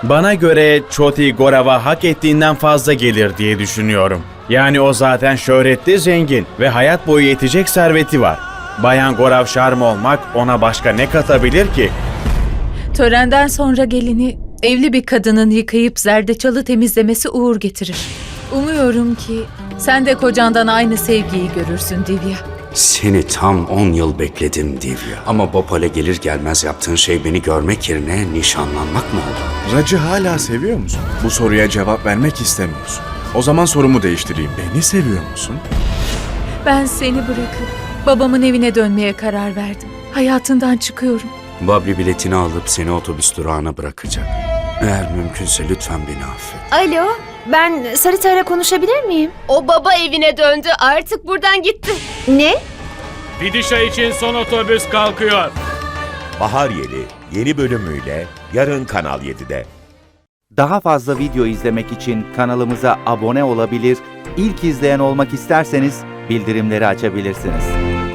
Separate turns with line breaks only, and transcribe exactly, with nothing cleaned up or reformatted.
Bana göre Choti Gaurav'a hak ettiğinden fazla gelir diye düşünüyorum. Yani o zaten şöhretli, zengin ve hayat boyu yetecek serveti var. Bayan Gaurav Sharma olmak ona başka ne katabilir ki?
Törenden sonra gelini evli bir kadının yıkayıp zerdeçalı temizlemesi uğur getirir. Umuyorum ki sen de kocandan aynı sevgiyi görürsün Divya.
Seni tam on yıl bekledim Divya. Ama Bhopal'e gelir gelmez yaptığın şey beni görmek yerine nişanlanmak mı oldu?
Racı hala seviyor musun? Bu soruya cevap vermek istemiyorsun. O zaman sorumu değiştireyim. Beni seviyor musun?
Ben seni bırakıp babamın evine dönmeye karar verdim. Hayatından çıkıyorum.
Babli biletini alıp seni otobüs durağına bırakacak. Eğer mümkünse lütfen beni affet.
Alo, ben Sarita'yla konuşabilir miyim?
O baba evine döndü. Artık buradan gitti.
Ne?
Vidişa için son otobüs kalkıyor.
Bahar Yeli yeni bölümüyle yarın Kanal yedide.
Daha fazla video izlemek için kanalımıza abone olabilir, ilk izleyen olmak isterseniz bildirimleri açabilirsiniz.